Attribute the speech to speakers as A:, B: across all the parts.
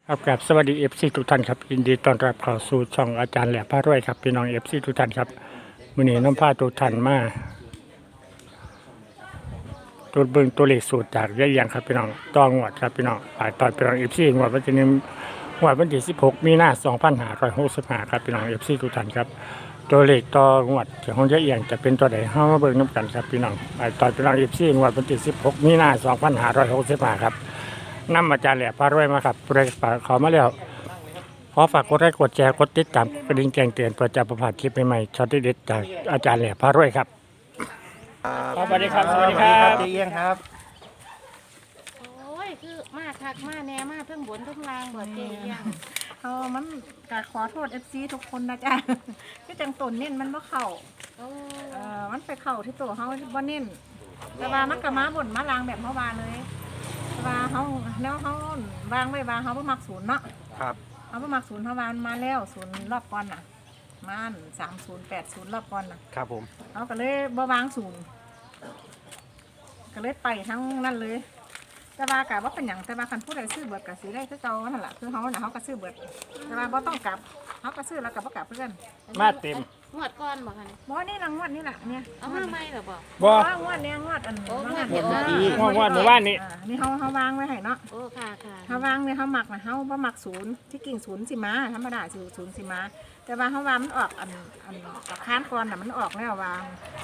A: ครับสวัสดีทุกท่านครับยินดีต้อนรับเข้าสู่ช่องอาจารย์แหล่พารวยครับพี่น้องทุกท่านครับมื้อนี้น้องพาทุกท่านมาตัวเบิ่งตัวเลขสูตรจากยายเอียงครับพี่น้องต้องงวดครับพี่น้องฝ่ายตอนพี่น้องงวดวันที่1งวดวันที่16มีนาคม2565ครับพี่น้องทุกท่านครับตัวเลขต่องวดของยายเอียงจะเป็นตัวใดเฮามาเบิ่งนำกันครับพี่น้องฝ่ายตอนพี่น้องงวดวันที่16มีนาคม2565ครับนำอาจารย์แหล่พารวยมาครับผู้ใดขอมาแล้วขอฝากกดไลค์กดแชร์กดติดตามกระดิ่งแจ้งเตือนเพื่อจะประพลาดคลิปใหม่ๆช็อตเด็ดๆจากอาจารย์แหล่พารวยครับสวัสดีครับสวัสดีครับ
B: เจียงครับ
C: โอ้ยคือมาคักมาแน่มาเพิ่งบนเพิ่งลางบ่เจียง
D: มันกขอโทษ FC ทุกคนนะจ๊ะ ที่จังตนเน้นมันบ่เข้า
C: โอ้
D: มันไปเข้าที่ตัวเฮาบ่เน้นแต่ว่ามันก็มาบ่นมาลางแบบเมื่อวานเลยแต่ว่าเฮาแล้วเฮาวางไว้ว่าเฮาบ่มักศูนย์เนาะ
B: ครับ
D: เฮาบ่มักศูนย์เฮาวางมาแล้วศูนย์รอบก่อนน่ะมัน3080รอบก่อนน่ะ
B: ครับผม
D: เฮาก็เลยบ่วางศูนย์ก็เลยไปทั้งนั้นเลยแต่ว่ากะว่าเป็นหยังแต่ว่าคันผู้ใดซื้อเบิดก็สิได้คือเก่านั่นล่ะคือเฮาน่ะเฮาก็ซื้อเบิดแต่ว่าบ่ต้องกลับเฮาก็ซื้อแล้วก็บ่กลับเพื่อน
A: มาเต็ม
C: งวดก้อนบ่คะเนี่ย
D: บ่นี่ละงวดนี่แหละเนี่ย
C: เอามาใหม่เหรอบ่
A: บ่
D: งวดเนี่ยงวดอัน
C: โอ้งวด
D: เดี
C: เดียว
A: งวดเมื่อวานนี้
D: นี่เฮาวางไว้ให้เนาะ
C: โอ้ค่ะค่ะ
D: เฮาวางเนี่ยเฮาหมักนะเฮาบ่หมักศูนย์ที่กิ่งศูนย์สิมาธรรมดาศูนย์สิมาแต่ว่าเฮาวางมันออกอันกับค้านก่อนน่ะมันออกแล้ววาง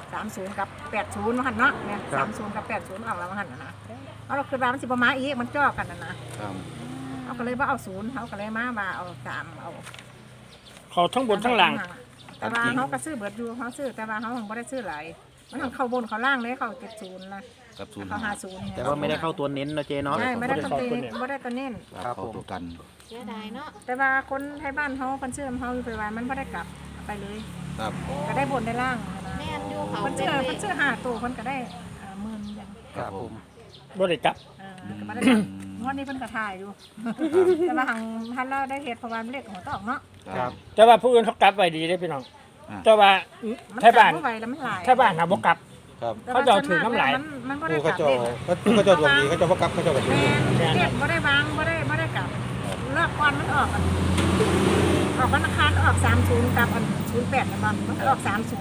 D: 30กับ80ว่าหั่นเนาะเนี่ย30กับ80ออกแล้วว่าหั่นน่ะนะเราคือว่ามันสิบ่มาอีกมันจ่อกันน่ะนะเอาก็เลยบ่เอาศูนย์เฮาก็เลยมาว่าเอา3เอา
A: เขาทั้งบนทั้งล่าง
D: แต่ว่าเขาก็ซื้อเบิดอยู่เขาซื้อแต่ว่าเขาคงไม่ได้ซื้อหลายมันทางเข้าบนเขาล่างเลยเขา70นะ
E: กับศูนย์
D: เขา50
B: แต่ว่าไม่ได้เข้าตัวเน้นนะเจเนาะ
D: ใช่ไม่ได้ตัวเน้นไม่ได้ตัวเน้น
B: ครับผม
E: เข้าตัวกัน
C: เสียดายเนาะ
D: แต่ว่าคนไทยบ้านเขาคนซื้อเขาอยู่ไปวันมันไม่ได้กลับไปเลย
E: ครับ
D: ก็ได้บนได้ล่างนะ
C: แม่นอยู่เขา
D: คน
C: เป็
D: ซื้
C: น
D: อ
C: เล
D: คนซื้อ5ตัวคนก็ได้หมื่นอย่าง
B: ครับผม
A: บ่ได้กลับ
D: ก็ไม่ได้กลับงวดนี้เพิ่นก็ถ่ายอยู่แต่ว่าหังท่านเราได้เหตุเพราะว่าเลขของตอกเนาะ
B: ครับ
A: แต่ว่าผู้อื่นเขากลับไว้ดีได้อพี่น้องแต่ว่า
D: มัน
A: ไทยบ้าน
D: กลับไว้แล้วมันหลาย
A: ไทยบ้านน่ะบ่กลับ
E: ครับ
A: เขาจะเอาถือน้ำลาย
D: มันไม่ได้
E: ผู้
D: ก
E: เขา
D: ลับ
E: เจ้า
D: เล่น
E: เขาเจ้าดวงดีเขาเจ้าพกับเขาเจ้าแบบนี้
D: แม่เก็บบ่ได้วางบ่ได้กลับเลิกก่อนมันออกวันอังคารออก30กับ08นะบ่มันออก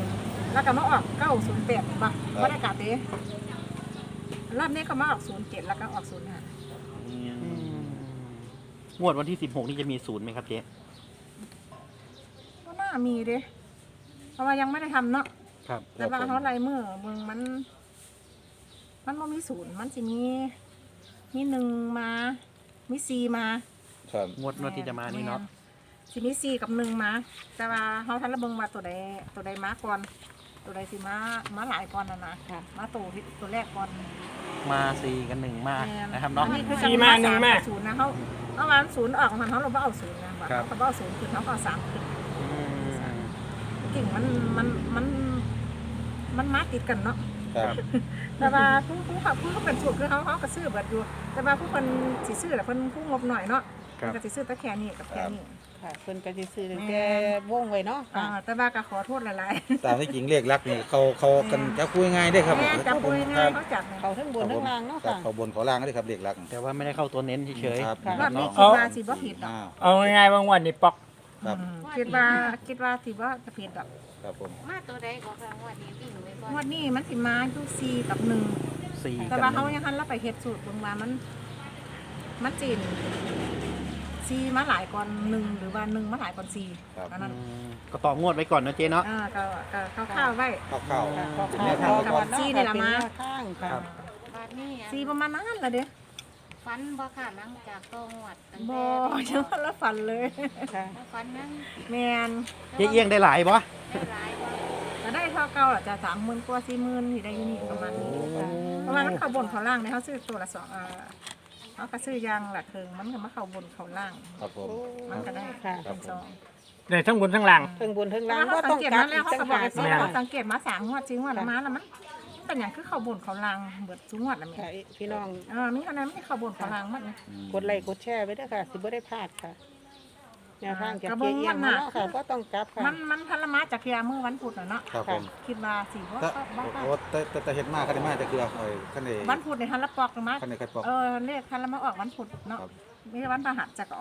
D: 30แล้วก็มาออก908บ่บ่ได้กลับเด้รอบนี้ก็มาออก07แล้วก็ออก05
B: งวดวันที่16นี่จะมีศูนย์ไหมครับเจ๊
D: ก็น่ามีเด้เพราะว่ายังไม่ได้ทำเนาะ
B: ครับ
D: แต่ว่าเขาลายมือเมืองมันบ่มีศูนย์มันสิมี1มามี4มา
E: ครับ
B: งวดที่จะมานี่เนาะ
D: สิมี4กับ1มาแต่ว่าเขาทันระเบิงมาตัวใดมาก่อนตัวใดสิมาหลายก่อนนะมาตัวแรกก่อน
B: มา4กัน1มานะครับเนาะ
D: อันนี้คือ
A: 4มา1มา
D: ศูนย์นะเขาเอาวันศูนย์ออกมันเขาเราบ่เอาศูนย์นะ
B: ครับ
D: เขาบ่เอาศูนย์คือเขาก็เอา3ขึ้น
B: อืม
D: กิ่งมันมาติดกันเนาะ
E: ครับ
D: แต่ว่าผู้เขาเป็นสูตรคือเขาก็ซื้อเบิดอยู่ แต่ว่าผู้คนสิซื้อแหละเพิ่นผู้งบหน่อยเนาะ
B: ครับ
D: ก็สิซื้อแต่แค่นี้กับแค่นี้
F: ค่ะเพิ่นก็สิซื้อตั้งแต่วงไว้เนาะค่ะ
D: แต่ว่าก็ขอโทษหลาย
E: ตามที่จริงเรียกรักนี่เขากันจะคุยง่ายได้ครับ
D: ๆแม่จับปุย
E: ค
D: ง่า
E: รั
D: ย
E: บ
D: เขาจับ
F: เขาทั้งบนทั้งล่างเนาะ
E: ครับ
F: ค่ะ
E: เขาบนเขาล่างได้ครับเรียกรัก
B: แต่ว่าไม่ได้เข้าตัวเน้นเฉย
E: ครับ
D: รอบนี้
B: เนาะ
D: คิดว่าสิบ่ผิดดอก
E: อ้าว
A: เอาง่ายๆว่างวันนี้ปอก
E: ครับ
D: คิดว่าสิบ่จะผิดดอก
E: ครับผม
C: มาตัวใดก็ค่ะงวดนี้พี่หนูไว้ก่อน
D: งวดนี้มันสิมาอยู่4กับ1
B: ๆ4
D: แต่
B: กับ
D: ว่าเขา
B: 1
D: ยังหันเราไปเฮ็ดสูตรเบิ่งว่ามันจีน4มาหลายก่อน1หรือว่า1มาหลายก่อน4
E: ครับ
D: อันนั้น
B: ก็ต่องวดไว้ก่อนนะเจ๊เนาะ
D: ก็ข้าวๆไว้
E: เข้า
F: ขอ
E: แนวทางไว้ก่อน
D: ซี่นี่ล่ะมา
F: เป็นแนวทางค่ะ
C: บาดนี้
D: 4ประมาณนั้นล่ะเด้
C: ฟันบ่ค่ะหลังจากโตงวดตั้ง
D: บ่
C: แต่
D: ยังละฝันเลย
F: ค่ะ
C: ฟันนั้น
D: แมน
B: เจ๊เอี้ยงได้หลายปะ
C: ได้หลายบ่
D: แต่ได้เท่าเก่าล่ะจะ30,000กว่า40,000ที่ได้อยู่นี่ประมาณนี้เพราะว่ามันเข้าบนเข้าล่างเนี่ยเขาซื้อตัวละ2เขาก็ซื้อยางละครึ่งมันก็มาเข้าบนเข้าล่าง
E: ครับผม
D: มันก็ได้
F: ค่ะ
D: เป็นซอง
A: ได้ทั้งบนทั้งล่าง
F: ทั้งบนทั้ง
D: แต่
F: ล่าง
D: ว่า
F: ก็
D: เขา
F: ต้
D: สั
F: อง ง
D: เกต
F: กลั
D: มา
F: บ
D: แล้ว
F: อีก
D: เขา
F: ต่า
D: ก็
F: ง
D: บอก
F: หาก
D: เขาสังเกตมา3งวด4งวดแล้วมาแล้วมันเป็นอย่างคือเข้าบนเข้าล่างเบิดสูงวดแล้วแม่
F: ค่ะพี่น้อง
D: มีคะแนนไม่เข้าบนเข้าล่างมันเนี่ย
F: กดไลค์กดแชร์ไว้ด้วยค่ะสิบ่ได้พลาดค่ะแนวทางจาก
D: กระเบื้
F: เจ๊
D: อง
F: เอี้ยง
D: มัน
F: มา
D: น่ะ
F: เนาะค่ะก็ต้องกลับค่ะ
D: มันทันละมาจากเคียเมื่อวันพุธน่ะเนาะ
E: ครับผม
D: คิดว่าสิว่า
E: แต่
D: บ้า
E: โอ้แต่เห็ดมากกันได้มากจะคือเอาขั้นใน
D: วันพุธในทันละปอกมา
E: ขั้นในกระป๋อง
D: เลขทันละมาออกวันพุธเนาะ
E: ครับ
D: ไม่ใช่วันพฤหัสจะก็ออก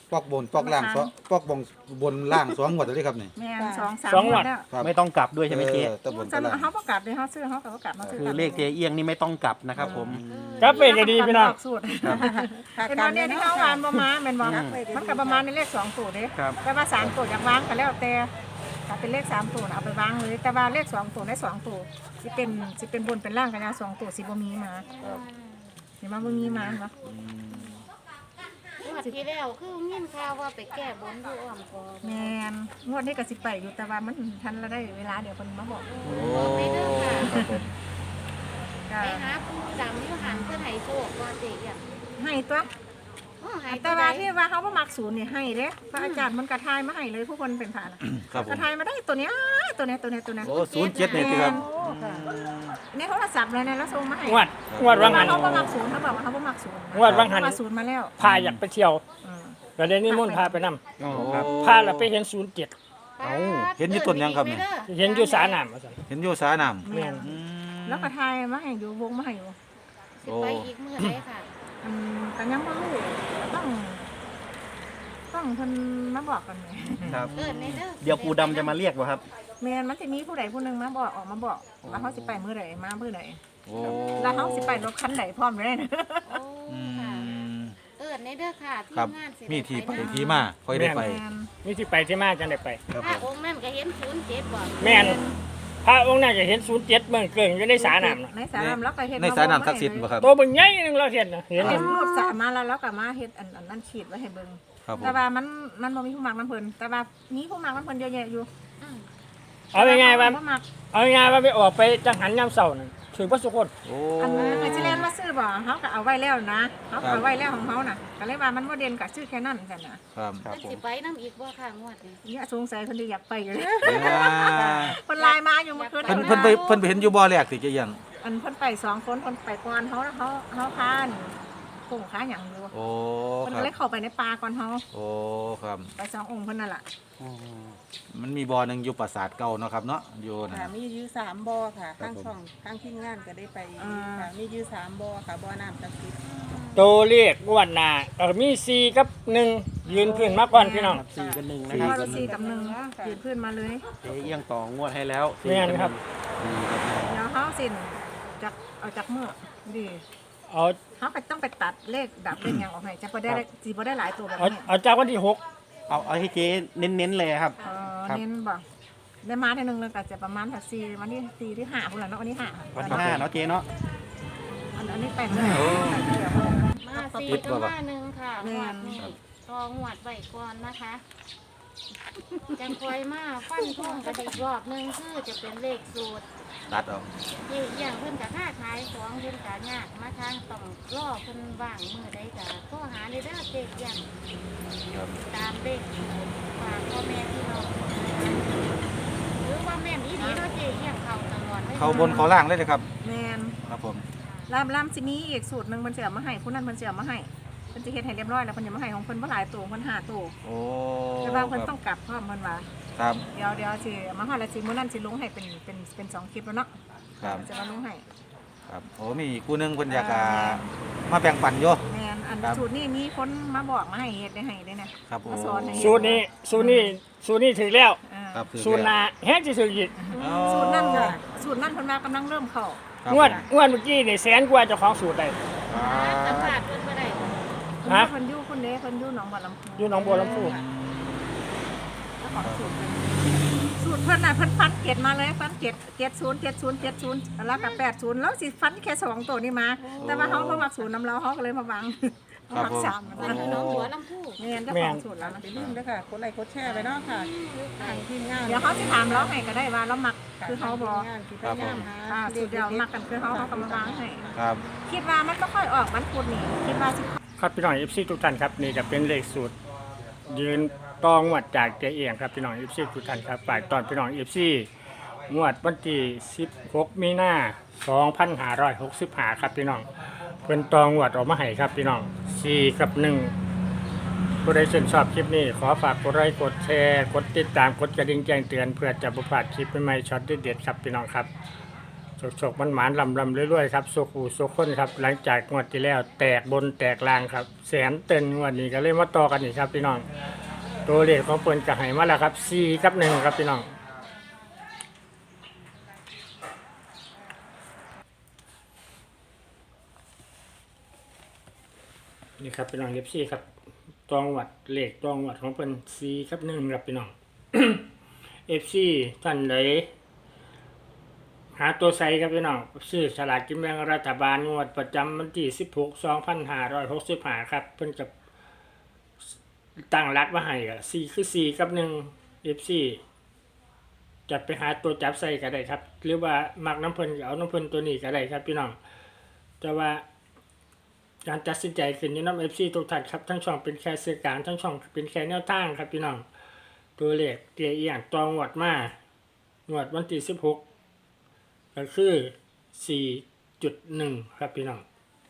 E: ปอกบนปอกล่างสองปอกบนล่าง2งวดเลยครับนี่
D: แม่นสองสาม
A: สอง
D: ง
A: ง
D: ว
A: ว
D: ด
A: ด
D: แล้ว
E: ครับ
B: ไม่ต้องกลับด้วยใช่ไหมเจ๊
E: ตะบน
D: จะ
E: ตะล่าง
D: เขาประกาศเลยเขาซื้อเขาก็ประกาศมาซื้อ
B: คือเลขเจ๊เอี้ยงนี่ไม่ต้องกลับนะครับผม
A: ครับเป็นก็ดีพี่น้อง
D: สูตรเป็นวันนี้ที่เขาวานประมาณเป็นบอกมันกับประมาณในเลข2ตัวเด้
B: ครับ
D: แต่ว่า3ตัวอยากวางก็แล้วแต่ถ้าเป็นเลข3ตัวน่ะเอาไปวางเลยแต่ว่าเลข2ตัวได้2ตัวสิเป็นบนเป็นล่างกันยา2ตัวสิบ่มีมาเห็นมั้ยบ่มีมาเนาะ
C: งวดที่แล้วคือยินข่าวว่าไปแก้บนอยู่อ้อมกอด
D: แม่นงวดนี้ก็สิไปอยู่แต่ว่ามันทันละได้เวลาเดี๋ยวเพิ่นมาบอก
C: ไปเด้อค่ะ
E: ครับผม
D: ก็
C: ไปหาผู้ดำอยู่หันเพื่อให้โชคว่าเจ๊อย่าง
D: ให้ตัว
C: ให้
D: แต่ว่าที่ว่าเขาบ่มักศูนย์นี่ให้เด้พระอาจารย์มันกระทายมาให้เลยผู้คนเป็นผ่าน่ะ
E: ครับผ
D: กระ
E: ม
D: ทายมาได้ตัวเนี้ยตัวเนี้ย
E: โอ้07นี่สิครับ
D: ในโทรศัพท์เลยนะแล้วส่งมาให้
A: งวดว่างหัน
D: เขาบ่มักศูนย์เขาบอกว่าเขาบ่มักศูนย์
A: งวดว่างหัน
D: เขมาศูนย์มาแล้ว
A: พาอยากไปเที่ยว
D: อืม
A: ก็ได้นิมนต์พาไปนำ
B: อ๋อครับ
A: พาแล้วไปเห็น07
E: เห็นอยู่ต้นยังครับนี่
A: เห็นอยู่สาน้ำว่าซั่น
E: เห็นอยู่สาน้ำ
D: แม่นแล้วกระทายมาให้อยู่วงมาให้อยู่
C: สิไปอีกมื้อไหนค่ะ
D: แต่ยังบ่รู้ต้องเพิ่นมาบอกกันแหม
B: ครับ
C: เอิ้นในเด้อ
B: เดี๋ยวปูดำจะมาเรียกวะครับ
D: แม่นมันสิมีผู้ใดผู้หนึงมาบอกออกมาบอกว่าเขาสิไปมื้อใดมามื้อใด
E: โอ้
D: แล้วเขาสิไปรถคันไหนพร้อมเลยนะ
C: โอ้
E: อื
C: ค่ะ
E: ม
C: เอิ้นในเด้อค่ะที่
E: ครับ
C: งานสิ
E: มีที่ไป
C: ด้
E: ที่มาค่อยได้ไป
A: มีที่ไปที่มาจังได้ไป
E: ครับ
C: ถ้า
E: ผม
C: องค์นั้นก็เห็น07บ่
A: แม่นพระองค์นั้นก็เห็น07เบิ่งเกิงอยู่ในสาน้ำน่ะ
D: ในสาน้ำแล้วก็เฮ็ด
E: ในสายน้ำศักดิ์สิทธิ์บ่ครับ
A: ตัวเบิ่งใหญ่นึงเราเห็นน่ะเห็น
D: เฮ็ดรูปสามาแล้วก็มาเฮ็ดอันนั้นขีดไว้ให้เบิ่ง
E: ครับผม
D: แต่ว่ามันบ่มีผู้มักน้ำเพิ่นแต่ว่ามีผู้มักน้ำเพิ่นเยอะแยะอยู่
C: อืม
A: เอาง่ายๆว่า
D: บ่มัก
A: เอาง่ายๆว่าไปออกไปจังหันยามเช้านั่นถือว่าสุคน
E: โอ้
D: อันนั้นก็สิเล่นมาซื้อบ่เฮาก็เอาไว้แล้วนะเฮาก็เอาไว้แล้วของเฮาน่ะก็เลยว่ามันบ่เด่นก็ซื้อแค่นั้นกันน่ะ
E: ครับ
B: ครับ
C: เพิ่นสิไปนํอีกบ่ค่ะงวดนี้
D: เนี่ยสงสัยเพิ่นสิอยากไปอยู่
E: อ่า
D: เพิ่นไลน์มาอยู่เมื่อคืน
E: เพิ่นไปเห็นอยู่บ่อแรกสิจะยัง
D: อันเพิ่นไป2คนเพิ่นไปก่อนเฮาพาคงค้าหยังอยู่
E: โอ้
D: เพิ่น
E: ครั
D: ก็
E: บ
D: เลยเข้าไปในป่าก่อนเฮา
E: โอ้ครับ
D: ไป2องค์เพิ่นนั่นล่ะ
E: มันมีบ่อหนึงอยู่ปราสาทเก่าเนาะครับเนาะอยู่นะ
F: ค่ะมีอยู่3บ่อค่ะ
E: ครั
F: ข้า
E: บ
F: ง
E: ผม
F: ช่องข้างทีมงานก็ได้ไปค่ะมีอยู่3บ่อค่ะบ่อน้ำศักดิ์สิทธิ์
A: ตัวเลขงวดหน้ามี4กับ1ยืนพื้นมาก่อนพี่น้อง
B: 4กับ1นะ
D: สี่
B: ครับ
D: กับ4กับ1ยืนพื้นมาเลย
B: เจ๊เอี้ยงต่องวดให้แล้ว
A: แม่นครับ
D: เดี๋ยวเขาสินจากเอาจากเมื่อดี
A: เอา
D: เขาไปต้องไปตัดเลขดับเลขหยังออกให้จะพอได้สีพอได้หลายตัวแบบ
A: เอา
D: นี้
A: เอาจากวันที่6
B: เอาให้เจ๊เน้นๆเลยครับ ครับ
D: เน้นบอกได้มาทีนึงเลยก็จะประมาณถัดสี่วันที่สี่ที่ห้าคนละเนาะวันที่ห้า
B: วันที่5เนาะเจ๊เนาะ
D: อันนี้แปลงเลย
C: มา4กับมา1ค่ะงวดนี้ทองงวดไว้ก่อนนะคะจังคอยมาฟันท่งกันอีกรอบหนึงคือจะเป็นเลขสูตร
E: ตัดเอา
C: เยี่อย่างเพิ่นกับค่าขายของเพิ่นกะยากมาทางต้องรอเพิ่นว่างมื้อใดกะโทรหาได้เด้อเด็กอย่าง
E: ครับ
C: ตามเด็กฝากพ่อแม่พี่น้องหรือว่าแม่นอีนี้เนาะเจ๊อย่างเขาตลอดลย
E: เขาบนเขาล่างเลยนะครับ
D: แมน
E: ครับผม
D: ลำสิมีอีกสูตรหนึ่งมันจะเอามาให้ผู้นั้นมันจะเอามาให้เพิ่นจะเฮ็ดให้เรียบร้อยแล้วเพิ่นจะมาให้ของเพิ่นบ่หลายตัวเพิ่น5ตัว
E: โอ้
D: แต่ว่าเพิ่น
E: ค
D: ต้
E: รั
D: อบ งกลับพร้อมเพิ่นว่า
E: ครับ
D: เดี๋ยวสิมาฮอดแล้วสิมื้อนั้นสิลงให้เป็น2คลิปแล้วเนาะ
E: ครับ
D: จะมาลงให้
E: ครับโอ้มีอีกคู่หนึงเพิ่นอยากมาแบ่งปันอยู่
D: แมนอัน
E: ครับ
D: สูตรนี้มีคนมาบอกมาให้เฮ็ดได้ให้ได้นะครับ
E: ผม
D: มาสอนให้เฮ็ด
A: สูตรนี้ถือแล้ว
D: อ่า
E: ครับคือ
A: สูตรหน้าแฮงสิถืออีก
E: อ๋อ
D: สูตรนั่นก็สูตรนั่นเพิ่นว่ากำลังเริ่มเข้า
E: ครับ
A: งวดเมื่อกี้นี่แสนกว่าเจ้าของสูตรได้
E: อ่า
C: สัมภาษณ์เพิ่นบ่ได้
A: ฮะ
D: เพิ่นอยู่คนเด้เพิ่นอยู่หนองบัวลำพู
A: อยู่หนองบัวลำพู
D: เจ้าของสูตรเพิ่นสูตรเพิ่นน่ะเพิ่นฟันเกตมาเลยฟันเกต70แล้วก็80แล้วสิฟันแค่2ตัวนี้มา แต่ว่าเฮาบ่มักสูตรนำเราเฮาก็เลยมาวางเฮามักสาม
C: เพิ่นอยู่หน้องหัวลำพู
D: แม่นเจ้าของสูตรแล้วนะ
F: อย่าลืมด้วยค่ะกดไลค์กดแชร์ไปเนาะค่ะทางทีมงาน
D: เดี๋ยวเขาสิถามเราให้ก็ได้ว่าเรามักคือเฮาบ่
F: งานที่พยายามหา
D: สูตรเดียวมักกันคือเฮาก็มาวางให้
E: ครับ
D: คิดว่ามันบ่ค่อยออกวันพุธนี่คิดว่าสิ
A: ครับพี่น้อง FC ทุกท่านครับนี่จะเป็นเลขสูตร ยืนตองงวดจากเจเอียงครับพี่น้อง FC ทุกท่านครับฝากตอนพี่น้อง FC งวดวันที่16มีนา2565ครับพี่น้องเพิ่นตองงวดออกมาให้ครับพี่น้อง4กับ1ผู้ใดชื่นชอบคลิปนี้ขอฝากกดไลค์กดแชร์กดติดตามกดกระดิ่งแจ้งเตือนเพื่อจะบ่พลาดคลิปใหม่ๆช็อตเด็ดๆครับพี่น้องครับฉกมันหมานลำเรื่อยๆครับโซคูโซคนครับหลังจากงวดที่แล้วแตกบนแตกล่างครับแสนเต็นงวดนี้ก็เลยมาต่อกันอีกครับพี่น้องตัวเลขของเพิ่นก็ให้มาแล้วครับ4กับ1ครับพี่น้องนี่ครับพี่น้องเอฟซีครับตองวัดเลขตองวัดของเพิ่น4กับ1ครับพี่น้อง เอฟซีท่านใดหาตัวไซครับพี่น้องซื้อสลากกินแบ่งรัฐบาลงวดประจำวันที่16/2565ครับเพิ่นกับตั้งรักมาให้ก็4คือ4กับ1 FC จะไปหาตัวจับใส่ก็ได้ครับหรือว่ามักน้ำเพิ่นก็เอาน้ำเพิ่นตัวนี้ก็ได้ครับพี่น้องแต่ว่าการตัดสินใจขึ้นอยู่น้ำ FC ทุกท่านครับทั้งช่องเป็นแค่สื่อกลางทั้งช่องเป็นแค่แนวทางครับพี่น้องตัวเลขเตี้ยเอียงตองวดมางวดวันที่16ก็คือ 4.1 ครับพี่น้อง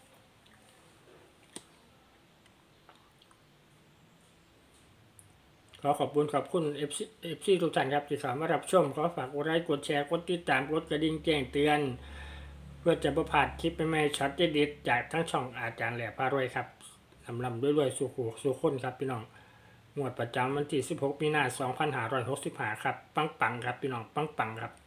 A: ขอขอบคุณ FC ทุกท่านครับที่เข้ามารับชมขอฝากกดไลค์กดแชร์กดติดตามกดกระดิ่งแจ้งเตือนเพื่อจะประพลาดคลิปใหม่ๆช็อตเด็ดๆจากทั้งช่องอาจารย์แหล่พารวยครับลำด้วยๆสู่คนครับพี่น้องงวดประจำวันที่16 มีนาคม 2565ครับปังๆครับพี่น้องปังๆครับ